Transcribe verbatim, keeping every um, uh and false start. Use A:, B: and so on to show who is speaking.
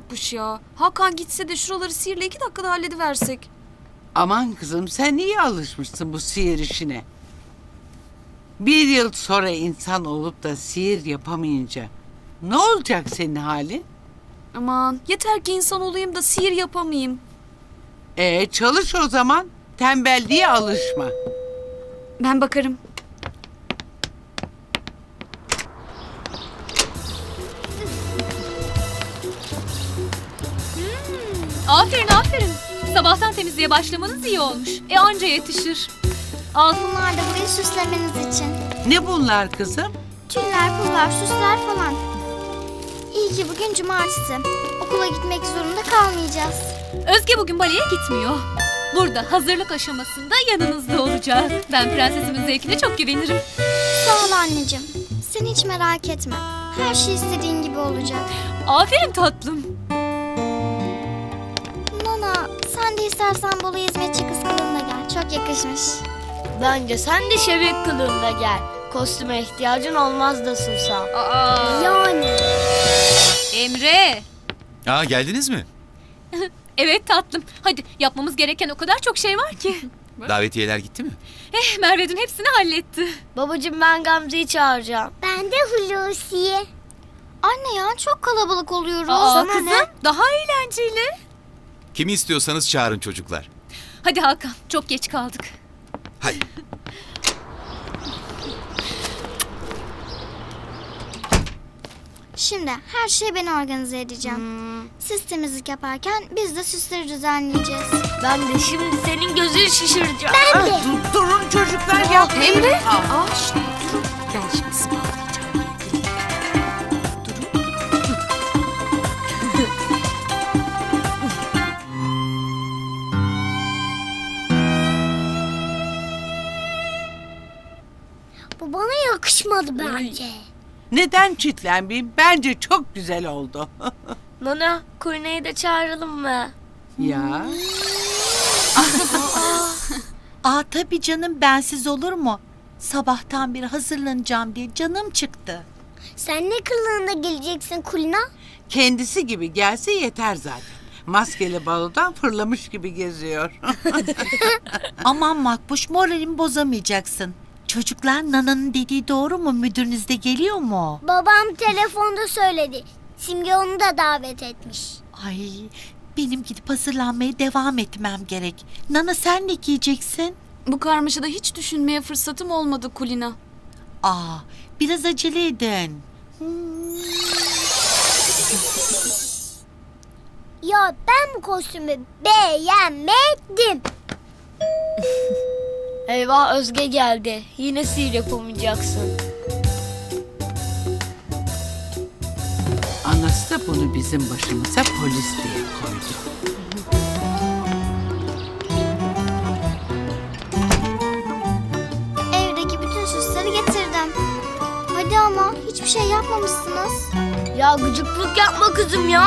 A: Makbuş ya. Hakan gitse de şuraları sihirle iki dakikada hallediversek.
B: Aman kızım, sen iyi alışmışsın bu sihir işine. Bir yıl sonra insan olup da sihir yapamayınca ne olacak senin halin?
A: Aman yeter ki insan olayım da sihir yapamayayım.
B: Ee, çalış o zaman. Tembelliğe alışma.
A: Ben bakarım.
C: Aferin aferin. Sabahtan temizliğe başlamanız iyi olmuş. E anca yetişir. Al.
D: Bunlar da burayı süslemeniz için.
B: Ne bunlar kızım?
D: Tüller, pullar, süsler falan. İyi ki bugün cumartesi. Okula gitmek zorunda kalmayacağız.
C: Özge bugün baleye gitmiyor. Burada hazırlık aşamasında yanınızda olacak. Ben prensesimin zevkine çok güvenirim.
D: Sağ ol anneciğim. Sen hiç merak etme. Her şey istediğin gibi olacak.
C: Aferin tatlım.
D: Nana, sen de istersen Bolu hizmetçi kız kılığında gel. Çok yakışmış.
E: Bence sen de şebek kılığında gel. Kostüme ihtiyacın olmaz da Susan.
C: Aa,
D: Yani.
C: Emre.
F: Aa, geldiniz mi?
C: Evet tatlım. Hadi yapmamız gereken o kadar çok şey var ki.
F: Davetiyeler gitti mi?
C: Eh Merve dün hepsini halletti.
E: Babacığım ben Gamze'yi çağıracağım.
D: Ben de Hulusi'ye. Anne ya çok kalabalık oluyoruz.
C: Aa,
D: Sana
C: kızım
D: ne?
C: daha eğlenceli.
F: Kimi istiyorsanız çağırın çocuklar.
C: Hadi Hakan çok geç kaldık.
F: Hadi.
D: Şimdi her şeyi ben organize edeceğim. Siz temizlik yaparken biz de süsleri düzenleyeceğiz.
E: Ben de şimdi senin gözünü şişireceğim.
D: Ben de.
B: Dur, durun çocuklar, yapmayın.
A: Emre.
B: Aa,
A: Aa şşt, durun. Ben şimdi ısmarlayacağım.
D: Bu bana yakışmadı bence.
B: neden çitlenmeyeyim? Bence çok güzel oldu.
E: Nana, Kurne'yi de çağıralım mı?
B: Ya.
G: Aa tabii canım, bensiz olur mu? Sabahtan beri hazırlanacağım diye canım çıktı.
D: Sen ne kılığında geleceksin Kulina?
B: Kendisi gibi gelse yeter zaten. Maskeli balodan fırlamış gibi geziyor.
G: Aman Makbuş, moralimi bozamayacaksın. Çocuklar, Nana'nın dediği doğru mu? Müdürünüz de geliyor mu?
D: Babam telefonda söyledi. Simge onu da davet etmiş.
G: Ay, benim gidip hazırlanmaya devam etmem gerek. Nana, sen ne giyeceksin?
A: Bu karmaşada hiç düşünmeye fırsatım olmadı Kulina.
G: Aa, biraz acele edin.
D: Ya ben bu kostümü beğenmedim.
E: Eyvah, Özge geldi. Yine sihir yapamayacaksın.
B: Anası da bunu bizim başımıza polis diye koydu.
D: Evdeki bütün süsleri getirdim. Hadi ama hiçbir şey yapmamışsınız.
E: Ya gıcıklık yapma kızım ya.